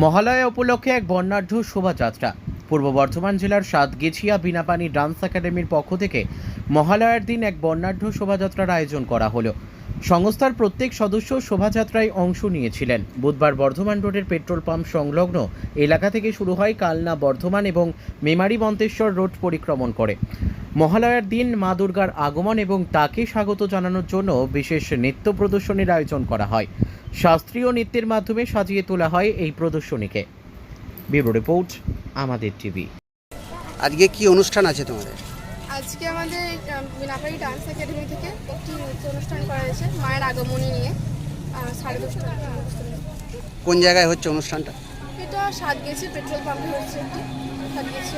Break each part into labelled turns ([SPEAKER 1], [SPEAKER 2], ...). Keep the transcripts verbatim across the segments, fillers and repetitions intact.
[SPEAKER 1] মহালয়া উপলক্ষে এক বর্ণাঢ্য শোভাযাত্রা। পূর্ব বর্ধমান জেলার সাতগেছিয়া বিনাপানি ডান্স একাডেমির পক্ষ থেকে মহালয়ার দিন এক বর্ণাঢ্য শোভাযাত্রার আয়োজন করা হলো। সংস্থার প্রত্যেক সদস্য শোভাযাত্রায় অংশ নিয়েছিলেন। বুধবার বর্ধমান রোডের পেট্রোল পাম্প সংলগ্ন এলাকা থেকে শুরু হয় কালনা বর্ধমান এবং মেমারি মন্তেশ্বর রোড পরিক্রমণ করে। মহালয়ার দিন মা দুর্গার আগমন এবং তাকে স্বাগত জানানোর জন্য বিশেষ নৃত্য প্রদর্শনীর আয়োজন করা হয়। শাস্ত্রীয় নৃত্যের মাধ্যমে সাজিয়ে তোলা হয় এই প্রদর্শনীকে। ব্যুরো রিপোর্ট, আমাদের টিভি।
[SPEAKER 2] আজকে কি অনুষ্ঠান আছে তোমাদের?
[SPEAKER 3] আজকে আমাদের বিনাপানি ডান্স একাডেমি থেকে একটি নৃত্য অনুষ্ঠান করা হয়েছে মায়ের আগমনী নিয়ে। সাড়ে দশটা
[SPEAKER 2] কোন জায়গায় হচ্ছে অনুষ্ঠানটা?
[SPEAKER 3] এটা সাতগেছি পেট্রোল পাম্পে হচ্ছে। একটি সাতগেছি।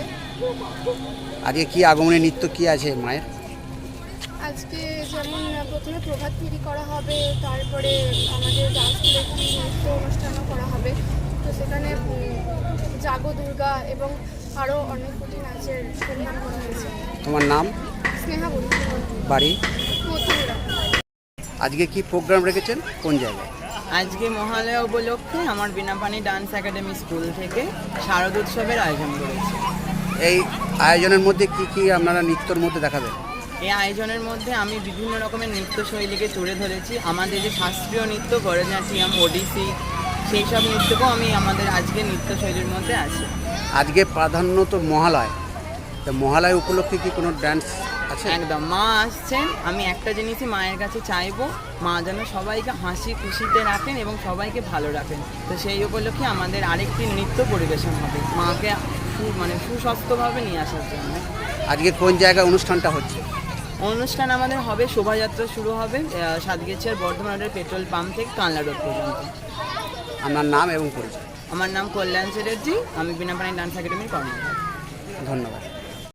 [SPEAKER 2] আজকে কি আগমনী নৃত্য কি আছে মায়ের?
[SPEAKER 3] আজকে যেমন প্রথমে প্রভাত ফেরি করা হবে, তারপরে আমাদের ডান্স স্কুলে একটি নৃত্য অনুষ্ঠানও করা হবে। তো সেখানে জাগো দুর্গা এবং আরও অনেক কোটি নাচের পরিমাণ করা হয়েছে।
[SPEAKER 2] তোমার নাম?
[SPEAKER 3] স্নেহা বলি।
[SPEAKER 2] বাড়ি?
[SPEAKER 3] মথুরা।
[SPEAKER 2] আজকে কি প্রোগ্রাম রেখেছেন, কোন জায়গায়?
[SPEAKER 4] আজকে মহালয়া উপলক্ষে আমার বিনাপানি ডান্স একাডেমি স্কুল থেকে শারদোৎসবের আয়োজন করেছে।
[SPEAKER 2] এই আয়োজনের মধ্যে কি কি আপনারা নৃত্যর মধ্যে দেখাবেন?
[SPEAKER 4] এই আয়োজনের মধ্যে আমি বিভিন্ন রকমের নৃত্যশৈলীকে তুলে ধরেছি। আমাদের যে শাস্ত্রীয় নৃত্য, ভরতনাট্যম, ওডিসি, সেই সব নৃত্যকেও আমি আমাদের আজকে নৃত্যশৈলীর মধ্যে আছে।
[SPEAKER 2] আজকে প্রাধান্য তো মহালয়, তা মহালয় উপলক্ষে কি কোনো ডান্স আছে?
[SPEAKER 4] একদম, মা আসছেন। আমি একটা জিনিসই মায়ের কাছে চাইবো, মা যেন সবাইকে হাসি খুশিতে রাখেন এবং সবাইকে ভালো রাখেন। তো সেই উপলক্ষে আমাদের আরেকটি নৃত্য পরিবেশন হবে, মাকে সু মানে সুস্বাস্থ্যভাবে নিয়ে আসার জন্য।
[SPEAKER 2] আজকে কোন জায়গায় অনুষ্ঠানটা হচ্ছে?
[SPEAKER 4] অনুষ্ঠান আমাদের হবে, শোভাযাত্রা শুরু হবে সাতগেছিয়ার বর্ধমান রোডের পেট্রোল পাম্প থেকে কানলা রোড পর্যন্ত।
[SPEAKER 2] আপনার নাম এবং পরিচয়?
[SPEAKER 4] আমার নাম কল্যাণ চ্যাটার্জি, আমি বিনাপানি ডান্স একাডেমির কর্মকর্তা।
[SPEAKER 2] ধন্যবাদ।